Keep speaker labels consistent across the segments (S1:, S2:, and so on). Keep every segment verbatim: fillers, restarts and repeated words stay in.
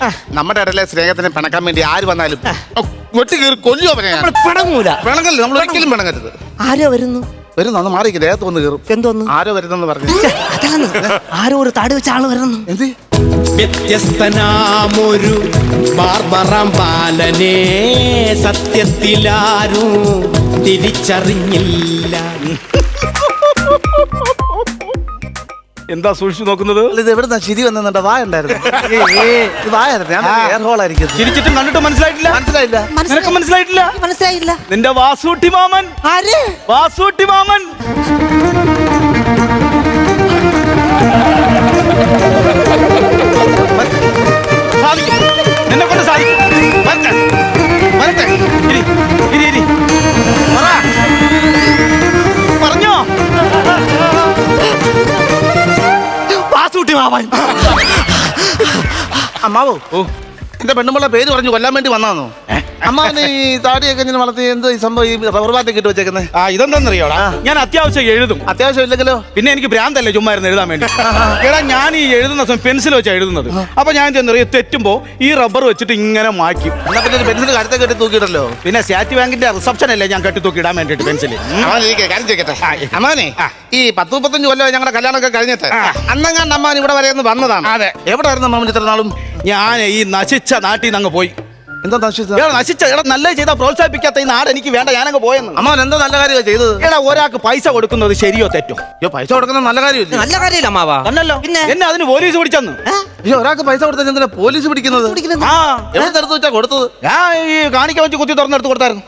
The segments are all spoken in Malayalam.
S1: നമ്മുടെ ഇടയിലെ സ്നേഹത്തിന് പിണക്കാൻ വേണ്ടി ആര് വന്നാലും വെട്ടി കയറി കൊല്ലുവോ പറയാ.
S2: പിണങ്ങൂല.
S1: പിണങ്ങല്ല, നമ്മൾ ഒരിക്കലും പിണങ്ങരുത്.
S2: ആരോ വരുന്നു
S1: വരുന്നു, അന്ന് മാറിക്ക് ദേഹത്ത് വന്ന് കയറും.
S2: എന്തോന്നു?
S1: ആരോ വരുന്നെന്ന് പറഞ്ഞു.
S2: അതാണ് ആരോ ഒരു താടി വെച്ച ആള് വരുന്നു.
S1: എന്ത്
S3: വ്യത്യസ്തനാമൊരു ബാർബറാം ബാലനെ സത്യത്തിലാരും തിരിച്ചറിഞ്ഞില്ല.
S4: എന്താ സൂക്ഷിച്ചു നോക്കുന്നത്?
S1: ഇത് എവിടുന്നാ ചിരി വന്നിട്ട് വായ ഉണ്ടായിരുന്നു. വായായിരുന്നു, ഞാൻ എയർ ഹോൾ ആയിരിക്കും.
S4: ചിരിച്ചിട്ടും കണ്ടിട്ട് മനസ്സിലായിട്ടില്ല.
S1: മനസ്സിലായില്ല.
S4: നിനക്ക് മനസ്സിലായിട്ടില്ല?
S2: മനസ്സിലായില്ല.
S4: നിന്റെ വാസൂട്ടി മാമൻ.
S2: ആര്?
S4: വാസൂട്ടി മാമൻ. നിന്നെ കൊണ്ട് സാധിക്കും. വരട്ടെ, വരട്ടെ. ഇരി, ഇരി, ഇരി. പറ. പറഞ്ഞോ?
S2: വാസൂട്ടി മാമൻ.
S1: അമ്മാവോ, എന്റെ പെണ്ണുമ്പളെ പേര് പറഞ്ഞു കൊല്ലാൻ വേണ്ടി വന്നാന്നോ? അമ്മാവന് ഈ താടിയൊക്കെ ഇങ്ങനെ വളർത്തി എന്തോ ഈ സംഭവം ഈ റബ്ബർ ബാറ്റൊക്കെ ഇട്ട് വെച്ചേക്കുന്നത്?
S4: ആ ഇതെന്താന്നറിയോടാ, ഞാൻ അത്യാവശ്യം എഴുതും.
S1: അത്യാവശ്യം ഇല്ലെങ്കിലോ?
S4: പിന്നെ എനിക്ക് ഭ്രാന്തല്ലേ ചുമ്മാ ഇരുന്ന് എഴുതാൻ വേണ്ടി. എടാ ഞാൻ ഈ എഴുതുന്ന സമയം പെൻസിൽ വെച്ചാണ് എഴുതുന്നത്. അപ്പൊ ഞാൻ ചെന്നറിയ തെറ്റുമ്പോ ഈ റബ്ബർ വെച്ചിട്ട് ഇങ്ങനെ മായ്ക്കും.
S1: എന്നാ പിന്നെ ഒരു പെൻസിൽ കരുത്തെ കെട്ടി തൂക്കിയിട്ടല്ലോ.
S4: പിന്നെ സ്റ്റേറ്റ് ബാങ്കിന്റെ റിസപ്ഷൻ അല്ലേ ഞാൻ കെട്ടി തൂക്കി ഇടാൻ വേണ്ടിട്ട് പെൻസിൽ.
S1: കാര്യം ചെയ്യട്ടെ അമ്മാനെ, ഈ പത്ത് മുപ്പത്തഞ്ച് കൊല്ലം ഞങ്ങളുടെ കല്യാണമൊക്കെ കഴിഞ്ഞിട്ട് അന്നങ്ങാണ്ട് അമ്മാൻ ഇവിടെ വരെ ഒന്ന് വന്നതാണ്.
S4: അതെ.
S1: എവിടെ ആയിരുന്നു അമ്മാവൻ ഇത്ര നാളും?
S4: ഞാൻ ഈ നശിച്ച നാട്ടിൽ നിന്ന് അങ്ങ് പോയി.
S1: എന്താ നശിച്ചത്?
S4: എടാ നശിച്ച എടാ നല്ല ചെയ്താൽ പ്രോത്സാഹിപ്പിക്കാത്ത ഈ നാട് എനിക്ക് വേണ്ട, ഞാനങ്ങ് പോയെന്ന്.
S1: അമ്മാവൻ എന്തോ നല്ല കാര്യമാണ് ചെയ്തത്.
S4: എടാ ഒരാൾക്ക് പൈസ കൊടുക്കുന്നത് ശരിയോ തെറ്റോ?
S1: അയ്യോ, പൈസ കൊടുക്കുന്നത് നല്ല കാര്യമില്ല.
S2: നല്ല കാര്യമില്ല അമ്മാവാ.
S4: തന്നല്ലോ.
S2: പിന്നെ
S4: എന്നെ അതിന് പോലീസ് പിടിച്ചെന്ന്.
S1: അയ്യോ, ഒരാൾക്ക് പൈസ കൊടുത്താൽ എന്തിനാ പോലീസ് പിടിക്കുന്നത്?
S4: ആ
S1: എവിടെ എടുത്ത് വെച്ചാ കൊടുത്തത്?
S4: ഞാൻ ഈ കാണിക്കാൻ വെച്ച് കുത്തി തുറന്നെടുത്ത് കൊടുത്തായിരുന്നു.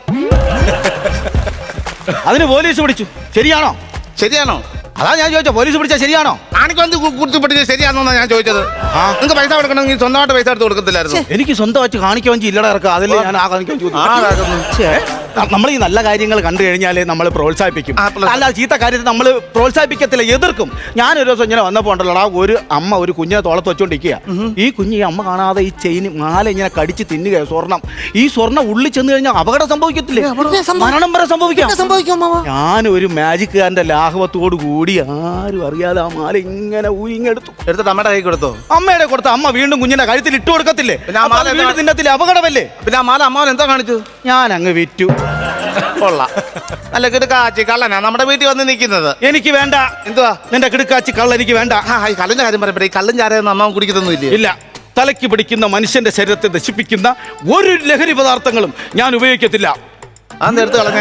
S4: അതിന് പോലീസ് പിടിച്ചു. ശരിയാണോ?
S1: ശരിയാണോ?
S4: അതാ ഞാൻ ചോദിച്ചോ, പോലീസ് പിടിച്ചാൽ ശരിയാണോ?
S1: ആണിക്കൊന്ന് കുറിച്ച് പഠിച്ചത് ശരിയാണെന്നാ ഞാൻ ചോദിച്ചത്. നിങ്ങൾക്ക് പൈസ കൊടുക്കണമെങ്കിൽ സ്വന്തമായിട്ട് പൈസ എടുത്ത് കൊടുക്കത്തില്ലായിരുന്നു?
S4: എനിക്ക് സ്വന്തം വെച്ച് കാണിക്കാൻ വെച്ച് ഇല്ലട ഇറക്കുക. അതല്ലേ ഞാൻ ആ കാണിക്കാൻ ചോദിച്ചു. നമ്മൾ ഈ നല്ല കാര്യങ്ങൾ കണ്ടു കഴിഞ്ഞാലേ നമ്മൾ പ്രോത്സാഹിപ്പിക്കും. അല്ല ചീത്ത കാര്യത്തിൽ നമ്മൾ പ്രോത്സാഹിപ്പിക്കത്തില്ല, എതിർക്കും. ഞാനൊരു ദിവസം ഇങ്ങനെ വന്നപ്പോ ഉണ്ടല്ലോടാ, ഒരു അമ്മ ഒരു കുഞ്ഞിനെ തോളത്ത് വെച്ചോണ്ടിരിക്കുക. ഈ കുഞ്ഞ് ഈ അമ്മ കാണാതെ ഈ ചെയിൻ മാല ഇങ്ങനെ കടിച്ച് തിന്നുക. സ്വർണം ഈ സ്വർണ്ണം ഉള്ളിൽ ചെന്ന് കഴിഞ്ഞാൽ അപകടം സംഭവിക്കത്തില്ലേ? മരണം വരെ സംഭവിക്കാം. ഞാൻ ഒരു മാജിക്കുകാരന്റെ ലാഘവത്തോട് കൂടി ആരും അറിയാതെ ആ മാല ഇങ്ങനെ ഊയിങ്ങെടുത്തു.
S1: എടുത്തിട്ട് അമ്മയുടെ കൈ കൊടുത്തോ?
S4: അമ്മയുടെ കൊടുത്ത അമ്മ വീണ്ടും കുഞ്ഞിന്റെ കഴുത്തിൽ ഇട്ട് കൊടുക്കത്തില്ലേ? വീണ്ടും തിന്നത്തില്ലേ? അപകടമല്ലേ?
S1: പിന്നെ ആ മാല അമ്മാവൻ എന്താ കാണിച്ചു?
S4: ഞാൻ അങ്ങ് വിറ്റു.
S1: കൊള്ളാം, നല്ല കിടക്കാച്ചി കള്ളനാ നമ്മുടെ വീട്ടിൽ വന്ന് നിൽക്കുന്നത്.
S4: എനിക്ക് വേണ്ട.
S1: എന്തുവാ
S4: നിന്റെ കിടക്കാച്ചി കള്ള എനിക്ക് വേണ്ട.
S1: ഈ കള്ളിന്റെ കാര്യം പറയട്ടെ, ഈ കള്ളും ചാരയൊന്നും അമ്മാവൻ കുടിക്കുന്നൊന്നും ഇല്ല.
S4: ഇല്ല, തലയ്ക്ക് പിടിക്കുന്ന മനുഷ്യന്റെ ശരീരത്തെ നശിപ്പിക്കുന്ന ഒരു ലഹരി പദാർത്ഥങ്ങളും ഞാൻ ഉപയോഗിക്കത്തില്ല.
S1: അന്ന് എടുത്ത് കളഞ്ഞേ.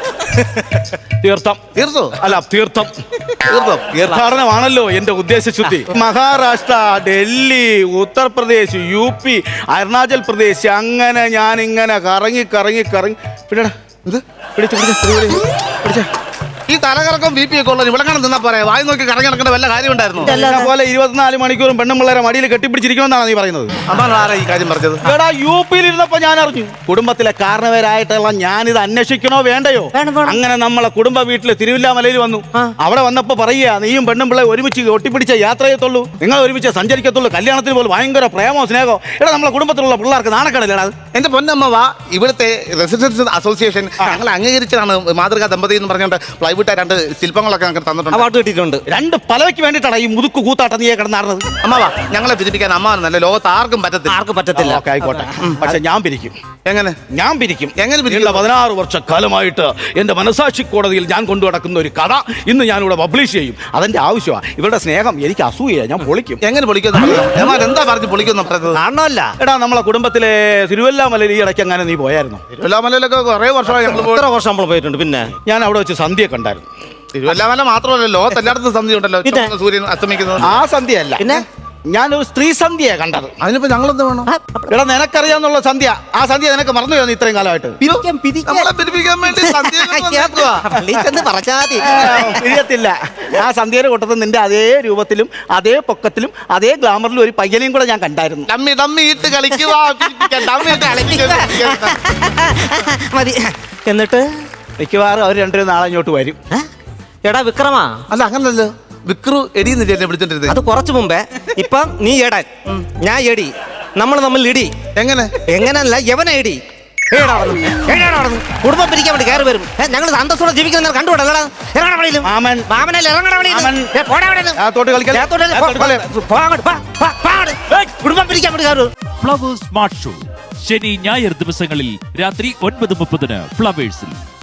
S4: തീർത്ഥം.
S1: തീർത്തോ?
S4: അല്ല തീർത്ഥം.
S1: തീർത്ഥം
S4: തീർത്ഥാടനമാണല്ലോ എന്റെ ഉദ്ദേശശുദ്ധി. മഹാരാഷ്ട്ര, ഡൽഹി, ഉത്തർപ്രദേശ്, യു പി, അരുണാചൽ പ്രദേശ്, അങ്ങനെ ഞാൻ ഇങ്ങനെ കറങ്ങി കറങ്ങി കറങ്ങി പിടിച്ച പിടിച്ച പിടിച്ച
S1: ഈ തലകറക്കം ബി പി ഒക്കെ ഉള്ളത് ഇവിടെ കാണാൻ നിന്നാ പറയാ. വായി നോക്കി കറങ്ങി നടക്കേണ്ട വല്ല കാര്യം ഉണ്ടായിരുന്നു?
S4: പോലെ ഇരുപത്തിനാല് മണിക്കൂറും പെണ്ണും പിള്ളേരെ മടിയിൽ കെട്ടിപ്പിടിച്ചിരിക്കണമെന്നാണ് നീ പറയുന്നത്.
S1: അമ്മാൻ ആരാ ഈ കാര്യം പറഞ്ഞത്?
S4: എടാ യു പിയിൽ ഇരുന്നപ്പോ ഞാൻ അറിഞ്ഞു. കുടുംബത്തിലെ കാരണവരായിട്ടുള്ള ഞാനിത് അന്വേഷിക്കണോ വേണ്ടയോ? അങ്ങനെ നമ്മളെ കുടുംബ വീട്ടില് തിരുവില്ലാമലയിൽ വന്നു. അവിടെ വന്നപ്പോ പറയുക, നീയും പെണ്ണും പിള്ളേ ഒരുമിച്ച് ഒട്ടിപ്പിടിച്ച യാത്ര ചെയ്യത്തുള്ളൂ, നിങ്ങൾ ഒരുമിച്ച് സഞ്ചരിക്കത്തുള്ളൂ, കല്യാണത്തിന് പോലും ഭയങ്കര പ്രേമോ സ്നേഹമോ. എടാ നമ്മളെ കുടുംബത്തിലുള്ള പിള്ളേർക്ക് നാണക്കേടല്ലേടാ?
S1: എന്റെ പൊന്നമ്മ വാ, ഇവിടുത്തെ റെസിഡൻസ് അസോസിയേഷൻ ഞങ്ങൾ അംഗീകരിച്ചതാണ് മാതൃകാ ദമ്പതി എന്ന് പറഞ്ഞുകൊണ്ട് പ്ലൈവുഡ് രണ്ട് ശില്പങ്ങളൊക്കെ ഞങ്ങൾക്ക് തന്നിട്ടുണ്ട്.
S2: അവാർഡ് കിട്ടിയിട്ടുണ്ട്.
S4: രണ്ട് പലവയ്ക്ക് വേണ്ടിയിട്ടാണ് ഈ മുതുക്ക് കൂത്താട്ടം നീയെ കിടന്നാറുന്നത്.
S1: അമ്മാവാ, ഞങ്ങളെ പിരിപ്പിക്കാൻ അമ്മാവൻ നല്ല ലോകത്ത് ആർക്കും പറ്റത്തില്ല.
S2: ആർക്കും പറ്റത്തില്ല.
S4: ആയിക്കോട്ടെ, പക്ഷെ ഞാൻ പിരിക്കും.
S1: എങ്ങനെ?
S4: ഞാൻ പിരിക്കും.
S1: എങ്ങനെ പിരിക്കും?
S4: പതിനാറ് വർഷക്കാലമായിട്ട് എന്റെ മനസാക്ഷി കോടതിയിൽ ഞാൻ കൊണ്ടു നടക്കുന്ന ഒരു കഥ ഇന്ന് ഞാനിവിടെ പബ്ലിഷ് ചെയ്യും. അതെന്റെ ആവശ്യമാണ്. ഇവരുടെ സ്നേഹം എനിക്ക് അസൂയ, ഞാൻ പൊളിക്കും.
S1: എങ്ങനെ പൊളിക്കുന്നു? എന്താ പറഞ്ഞു പൊളിക്കുന്നു പറഞ്ഞത്?
S2: കാണണമല്ല.
S4: എടാ നമ്മളെ കുടുംബത്തിലെ തിരുവല്ലാമലയിൽ ഈ ഇടയ്ക്ക് അങ്ങനെ നീ പോയായിരുന്നു?
S1: തിരുവല്ലാമലയിലൊക്കെ കുറെ വർഷമായി ഞങ്ങൾ
S2: എത്ര വർഷം നമ്മൾ പോയിട്ടുണ്ട്. പിന്നെ
S4: ഞാൻ അവിടെ വെച്ച് സന്ധ്യ കണ്ടായിരുന്നു.
S1: തിരുവല്ലാമല മാത്രമല്ല, ലോകത്ത് എല്ലായിടത്തും സന്ധ്യ ഉണ്ടല്ലോ, സൂര്യൻ അസ്തമിക്കുന്നത്.
S4: ആ സന്ധ്യയല്ല,
S2: പിന്നെ
S4: ഞാനൊരു സ്ത്രീ സന്ധ്യയെ കണ്ടത്.
S1: അതിനിപ്പോ ഞങ്ങളെന്ത് വേണം?
S4: എടാ നിനക്കറിയാന്നുള്ള സന്ധ്യ, ആ സന്ധ്യ നിനക്ക് മറന്നു പോയി ഇത്രയും കാലമായിട്ട്.
S1: നമ്മളെ പിരിപ്പിക്കാൻ വേണ്ടി
S4: പിരിയത്തില്ല. ആ സന്ധ്യയുടെ കൂട്ടത്തിൽ നിന്റെ അതേ രൂപത്തിലും അതേ പൊക്കത്തിലും അതേ ഗ്ലാമറിലും ഒരു പയ്യനെയും കൂടെ ഞാൻ കണ്ടായിരുന്നു.
S1: ഡമ്മി ഡമ്മി ഇട്ട് കളിക്കുക.
S2: മതി. എന്നിട്ട്
S4: മിക്കവാറും അവർ രണ്ടുപേരും നാളെ ഇങ്ങോട്ട് വരും.
S2: എടാ വിക്രമാ.
S1: അല്ല അങ്ങനല്ലോ, വിക്രു എടിയെന്നില്ലേ വിളിച്ചോണ്ടിരുന്നത്?
S2: അത് കുറച്ചു മുമ്പേ. ഇപ്പം നീ എടൻ, ഞാൻ എടി, നമ്മൾ തമ്മിൽ ഇടി.
S1: എങ്ങനെ?
S2: എങ്ങനല്ല, യവന എടി. കുടുംബം പിരിക്കാൻ വേണ്ടി കയറി വരും. ഞങ്ങൾ സന്തോഷത്തോടെ ജീവിക്കുന്ന കണ്ടുപിടല്ലടാ.
S4: മാമൻ
S2: മാമനല്ലേ
S4: തോട്ട് കളിക്കാൻ
S2: കുടുംബം പിരിക്കാൻ വേണ്ടി കയറും.
S5: ഫ്ലവേഴ്സ് സ്മാർട്ട് ഷോ ശനി ഞായർ ദിവസങ്ങളിൽ രാത്രി ഒൻപത് മുപ്പതിന് ഫ്ലവേഴ്സിൽ.